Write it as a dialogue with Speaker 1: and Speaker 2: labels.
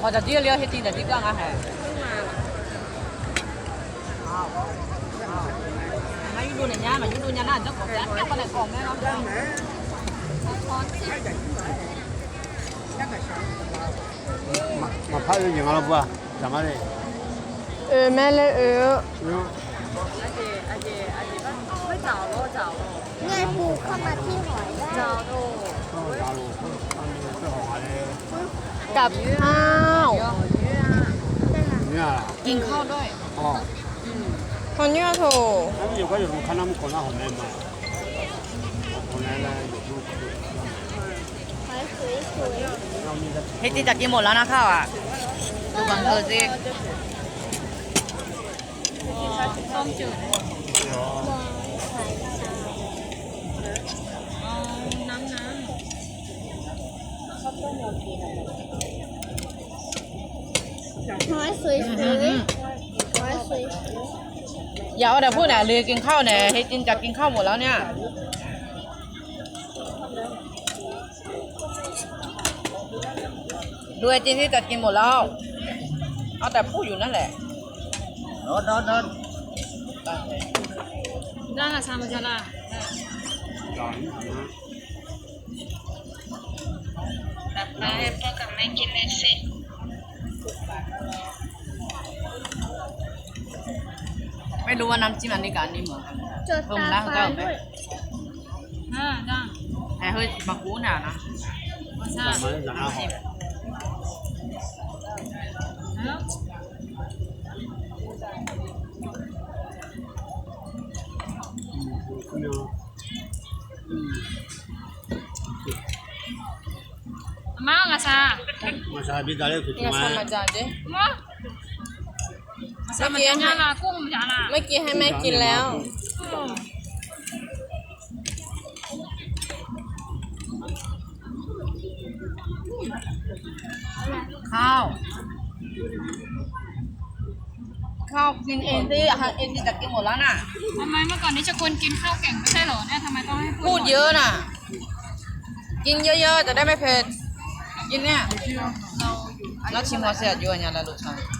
Speaker 1: 或者啲料係啲就啲講啊係。mà du này nha mà du nhà nào chắc có giá chắc con này còn đấy không
Speaker 2: mà phát được nhiều lắm ba chẳng ai đi
Speaker 3: แม่เลย
Speaker 4: ไม่找咯找咯
Speaker 3: ง่ายปูเข้ามาที่หอยได้
Speaker 4: 找咯
Speaker 3: กับข้าว
Speaker 2: เนี่ย
Speaker 1: กินข้าวด้วย
Speaker 2: อ๋อ
Speaker 3: คนเยอะโถ
Speaker 2: แล้ว有个有看他们搞那好难嘛好难呢有时候
Speaker 3: หอยสวย
Speaker 1: เฮจิจะกินหมดแล้วนะข้าวอ่ะดูบังเธอสิต้มจืด
Speaker 3: หอยสวยหอยสวย
Speaker 1: อย่าเอาแต่พูดเนี่ยเรียกินข้าวเนี่ยเฮจินจะกินข้าวหมดแล้วเนี่ยดูเฮจินที่จะกินหมดแล้วเอาแต่พูดอยู่นั่นแหละรถได้ละชามาจาละแบบไปพ่อกับแม่กินเลยสิไม่รู้ว่าน้ำจิ้มอันนี้กับอันนี้เหมือนกัน
Speaker 3: จดตาฟ้าด้วย
Speaker 1: ได้ไอ้เฮ้ยมากูหนานะใช่
Speaker 2: 咱们养好
Speaker 4: 妈个啥
Speaker 2: มาซาบิดาเลยคือ
Speaker 3: งา
Speaker 2: มา
Speaker 3: ชามาจาเด้
Speaker 4: 妈啥嘛家啦公家啦
Speaker 3: เมื่อกี้ให้แม่กินแล้ว
Speaker 1: ข้าวกินเองสิเองที่จะกินหมดแล้วน่ะ
Speaker 4: ทำไมเมื่อก่อนนี้จะคนกินข้าวเก่งไม่ใช่เหรอเนี่ยทำไมต้องให้
Speaker 1: พูดเยอะน่ะกินเยอะๆจะได้ไม่เผ็ดกินเนี่ยแล้วชิมหัวเสียดอยู่อันนี้แล้วลูกชาย